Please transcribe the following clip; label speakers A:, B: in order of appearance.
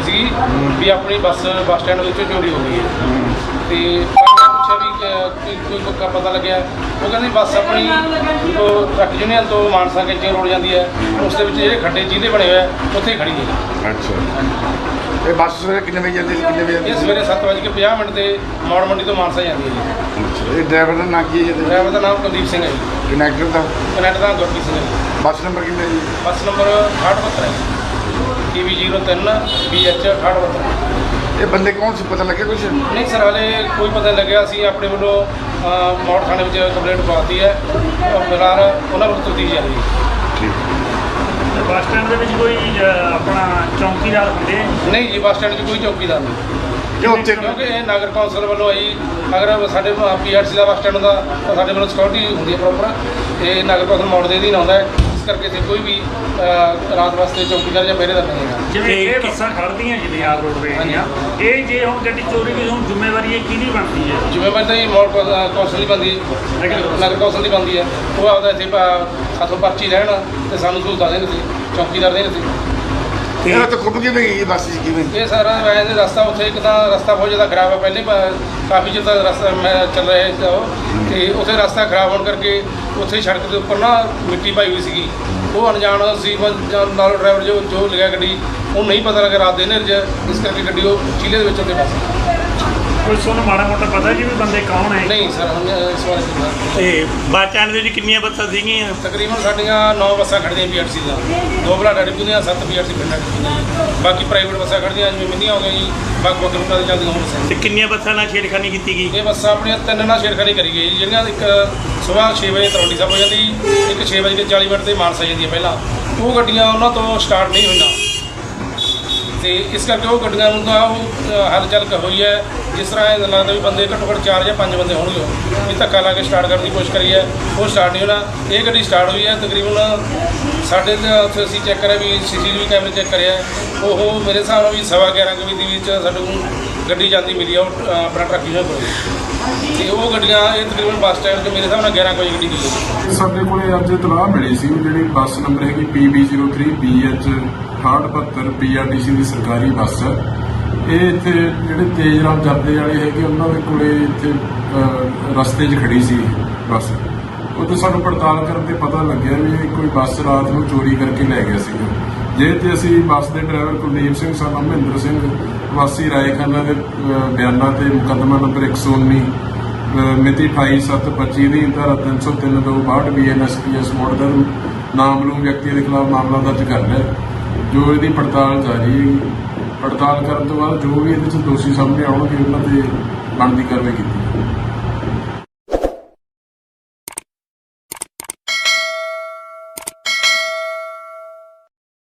A: सी भी अपनी bus stand चोरी हो गई है। तो पूछा भी कोई पता लगे वो कहते बस अपनी तो ट्रक यूनियन तो मानसा कैंची रोड जाती है उस खड्डे जिले बने हुए हैं उत्थे खड़ी है।
B: अच्छा बस कितने बजे जाती है? कितने बजे?
A: ये सवेरे 7:50 से मौड़ मंडी तो मानसा जाती है जी।
B: ड्राइवर का नाम की है?
A: ड्राइवर का नाम कुलदीप सिंह है जी।
B: कनैक्टर का?
A: कनैक्टर का गुरप्रीत सिंह है जी।
B: बस नंबर कितना जी?
A: बस नंबर 6872 है TB 03 BH 6872।
B: ये बंदे कौन से पता लगे कुछ?
A: नहीं सर हाले कोई पता नहीं लगे। ਅਸੀਂ ਆਪਣੇ ਵੱਲੋਂ ਮੌੜ ਥਾਣੇ ਵਿੱਚ ਕੰਪਲੇਂਟ ਪਾਤੀ ਹੈ ਫਿਲਹਾਲ ਉਹਨਾਂ ਨੂੰ ਤਫਤੀਸ਼ ਜਾਰੀ ਹੈ।
B: ਠੀਕ
C: ਬੱਸ ਸਟੈਂਡ ਦੇ ਵਿੱਚ ਕੋਈ ਆਪਣਾ ਚੌਂਕੀਦਾਰ ਹੁੰਦੇ?
A: ਨਹੀਂ ਜੀ ਬੱਸ ਸਟੈਂਡ 'ਚ ਕੋਈ ਚੌਕੀਦਾਰ ਨਹੀਂ ਕਿਉਂਕਿ ਇਹ ਨਗਰ ਕੌਂਸਲ ਵੱਲੋਂ ਆਈ। ਅਗਰ ਸਾਡੇ PRC ਦਾ ਬੱਸ ਸਟੈਂਡ ਹੁੰਦਾ ਤਾਂ ਸਾਡੇ ਵੱਲੋਂ ਸਿਕਿਉਰਿਟੀ ਹੁੰਦੀ ਹੈ ਪ੍ਰੋਪਰ। ਇਹ ਨਗਰ ਕੌਂਸਲ ਮੌੜ ਦੇ ਅਧੀਨ ਆਉਂਦਾ ਹੈ ਕਰਕੇ ਇੱਥੇ ਕੋਈ ਵੀ ਰਾਤ ਵਾਸਤੇ ਚੌਕੀਦਾਰ ਜਾਂ ਪਹਿਰੇਦਾਰ ਨਹੀਂ ਹੈਗਾ।
C: ਜਿਵੇਂ ਇਹ ਬੱਸਾਂ ਖੜ੍ਹਦੀਆਂ ਜਿਵੇਂ ਆਪ ਰੋਡਵੇਜ਼ ਦੀਆਂ ਇਹ ਜੇ ਹੁਣ ਗੱਡੀ ਚੋਰੀ ਦੀ ਹੁਣ ਜ਼ਿੰਮੇਵਾਰੀ ਇਹ ਕਿਹਦੀ ਬਣਦੀ ਹੈ?
A: ਜ਼ਿੰਮੇਵਾਰੀ ਤਾਂ ਜੀ ਮੌੜ ਕੌਂਸਲ ਦੀ ਬਣਦੀ ਹੈ ਨਗਰ ਕੌਂਸਲ ਦੀ ਬਣਦੀ ਹੈ। ਉਹ ਆਪਦਾ ਇੱਥੇ ਸਾਥੋਂ ਪਰਚੀ ਲੈਣ ਅਤੇ ਸਾਨੂੰ ਸਹੂਲਤਾਂ ਦੇਣ ਸੀ ਚੌਕੀਦਾਰ ਦੇਣ ਸੀ।
B: ਇਹ ਤਾਂ ਖੁੱਬ ਕਿਵੇਂ ਗਈ ਬੱਸ ਜੀ ਕਿਵੇਂ?
A: ਇਹ ਸਾਰਾ ਵੈਸੇ ਰਸਤਾ ਉੱਥੇ ਇੱਕ ਤਾਂ ਰਸਤਾ ਬਹੁਤ ਜ਼ਿਆਦਾ ਖਰਾਬ ਹੈ। ਪਹਿਲੇ ਕਾਫੀ ਚਿਰ ਤੱਕ ਰਸਤਾ ਮੈਂ ਚੱਲ ਰਿਹਾ ਸੀ ਉਹ ਅਤੇ ਉੱਥੇ ਰਸਤਾ ਖਰਾਬ ਹੋਣ ਕਰਕੇ ਉੱਥੇ ਸੜਕ ਦੇ ਉੱਪਰ ਨਾ ਮਿੱਟੀ ਪਾਈ ਹੋਈ ਸੀਗੀ। ਉਹ ਅਣਜਾਣ ਸੀ ਨਾਲ ਡਰਾਈਵਰ ਜੋ ਲਿਆ ਗੱਡੀ ਉਹ ਨਹੀਂ ਪਤਾ ਲੱਗਾ ਰਾਤ ਦੇ ਹਨੇਰੇ 'ਚ ਇਸ ਕਰਕੇ ਗੱਡੀ ਉਹ ਚੀਲੇ ਦੇ ਵਿੱਚ ਉੱਤੇ ਫਸ ਗਈ।
C: ਕੋਈ ਤੁਹਾਨੂੰ ਮਾੜਾ ਮੋਟਾ ਪਤਾ ਜੀ ਵੀ ਬੰਦੇ ਕੌਣ ਹੈ?
A: ਨਹੀਂ ਸਰ ਹੁਣ ਇਸ ਬਾਰੇ ਨਹੀਂ ਪਤਾ।
C: ਤੇ ਬੱਸ ਸਟੈਂਡ ਦੇ ਵਿੱਚ ਕਿੰਨੀਆਂ ਬੱਸਾਂ ਸੀਗੀਆਂ?
A: ਤਕਰੀਬਨ ਸਾਡੀਆਂ 9 ਬੱਸਾਂ ਖੜ੍ਹਦੀਆਂ PRC ਦੀਆਂ 2 ਬਲਾਡਾ ਡਿਪੂ ਦੀਆਂ 7 PRC ਪਿੰਡਾਂ ਦੀਆਂ। ਬਾਕੀ ਪ੍ਰਾਈਵੇਟ ਬੱਸਾਂ ਖੜ੍ਹਦੀਆਂ ਜਿਵੇਂ ਮਿੰਨੀਆਂ ਹੋ ਗਈਆਂ ਜੀ ਵੱਖ-ਵੱਖ ਰੂਟਾਂ 'ਤੇ ਚੱਲਦੀਆਂ ਹੁਣ।
C: ਤੇ ਕਿੰਨੀਆਂ ਬੱਸਾਂ ਨਾਲ ਛੇੜਖਾਨੀ ਕੀਤੀ ਗਈ?
A: ਇਹ ਬੱਸਾਂ ਆਪਣੀਆਂ 3 ਨਾਲ ਛੇੜਖਾਨੀ ਕਰੀ ਗਈ ਜੀ। ਜਿਹੜੀਆਂ ਇੱਕ ਸੁਬਾਹ 6 ਵਜੇ ਤਲਵੰਡੀ ਸਾਹਿਬ ਹੋ ਜਾਂਦੀ, ਇੱਕ 6:40 ਤੇ ਮਾਨਸਾ ਜਾਂਦੀ ਹੈ ਪਹਿਲਾਂ। ਉਹ ਗੱਡੀਆਂ ਉਹਨਾਂ ਤੋਂ ਸਟਾਰਟ ਨਹੀਂ ਹੋਈਆਂ ਅਤੇ ਇਸ ਕਰਕੇ ਉਹ ਗੱਡੀਆਂ ਨੂੰ ਤਾਂ ਉਹ ਹਲਚਲ ਹੋਈ ਹੈ। ਜਿਸ ਤਰ੍ਹਾਂ ਇਹ ਲੱਗਦਾ ਵੀ ਬੰਦੇ ਘੱਟੋ ਘੱਟ 4 ਜਾਂ 5 ਬੰਦੇ ਹੋਣਗੇ ਵੀ ਧੱਕਾ ਲਾ ਕੇ ਸਟਾਰਟ ਕਰਨ ਦੀ ਕੋਸ਼ਿਸ਼ ਕਰੀ ਹੈ। ਉਹ ਸਟਾਰਟ ਨਹੀਂ ਹੋਣਾ। ਇਹ ਗੱਡੀ ਸਟਾਰਟ ਹੋਈ ਹੈ ਤਕਰੀਬਨ ਸਾਡੇ ਉੱਥੇ ਅਸੀਂ ਚੈੱਕ ਕਰਿਆ ਵੀ CCTV ਕੈਮਰੇ ਚੈੱਕ ਕਰਿਆ ਉਹ ਮੇਰੇ ਹਿਸਾਬ ਨਾਲ ਵੀ 11:15 ਵਜੇ ਦੇ ਵਿੱਚ ਸਾਡੇ ਕੋਲ ਗੱਡੀ ਜਾਂਦੀ ਮਿਲੀ ਆ ਉਹ ਆਪਣਾ ਟਰੱਕ ਯੂਨੀਅਨ ਕੋਲ ਅਤੇ ਉਹ ਗੱਡੀਆਂ ਇਹ ਤਕਰੀਬਨ ਬੱਸ ਸਟੈਂਡ 'ਤੇ ਮੇਰੇ ਹਿਸਾਬ ਨਾਲ 11 ਵਜੇ ਗੱਡੀ ਗਈ ਹੈ।
D: ਸਾਡੇ ਕੋਲ ਅੱਜ ਇਤਲਾਹ ਮਿਲੀ ਸੀ ਜਿਹੜੀ ਬੱਸ ਨੰਬਰ ਹੈਗੀ PB 03 BH 6872 PRTC ਦੀ ਸਰਕਾਰੀ ਬੱਸ ਹੈ। ਇਹ ਇੱਥੇ ਜਿਹੜੇ ਤੇਜ਼ ਰਾਮ ਜਰਦੇ ਵਾਲੇ ਹੈਗੇ ਉਹਨਾਂ ਦੇ ਕੋਲੇ ਇੱਥੇ ਰਸਤੇ 'ਚ ਖੜੀ ਸੀ ਬੱਸ। ਉੱਥੇ ਸਾਨੂੰ ਪੜਤਾਲ ਕਰਨ 'ਤੇ ਪਤਾ ਲੱਗਿਆ ਵੀ ਇਹ ਕੋਈ ਬੱਸ ਰਾਤ ਨੂੰ ਚੋਰੀ ਕਰਕੇ ਲੈ ਗਿਆ ਸੀਗਾ। ਜੇ ਤੇ ਅਸੀਂ ਬੱਸ ਦੇ driver Kuldeep Singh son of Mahinder Singh ਵਾਸੀ ਰਾਏਖਾਨਾ ਦੇ ਬਿਆਨਾਂ 'ਤੇ ਮੁਕੱਦਮਾ ਨੰਬਰ 119 ਮਿਤੀ 28/7/25 ਦੀ ਧਾਰਾ 303/62 BNSPS ਮੋੜ ਦਾ ਨਾਮਲੂਮ ਵਿਅਕਤੀ ਦੇ ਖਿਲਾਫ ਮਾਮਲਾ ਦਰਜ ਕਰ ਲਿਆ ਜੋ ਇਹਦੀ ਪੜਤਾਲ ਜਾਰੀ ਹੈ। ਪੜਤਾਲ ਕਰਨ ਤੋਂ ਬਾਅਦ ਜੋ ਵੀ ਇਹਦੇ 'ਚ ਦੋਸ਼ੀ ਸਾਹਮਣੇ ਆਉਣਗੇ ਉਹਨਾਂ 'ਤੇ ਬਣਦੀ ਕਾਰਵਾਈ ਕੀਤੀ।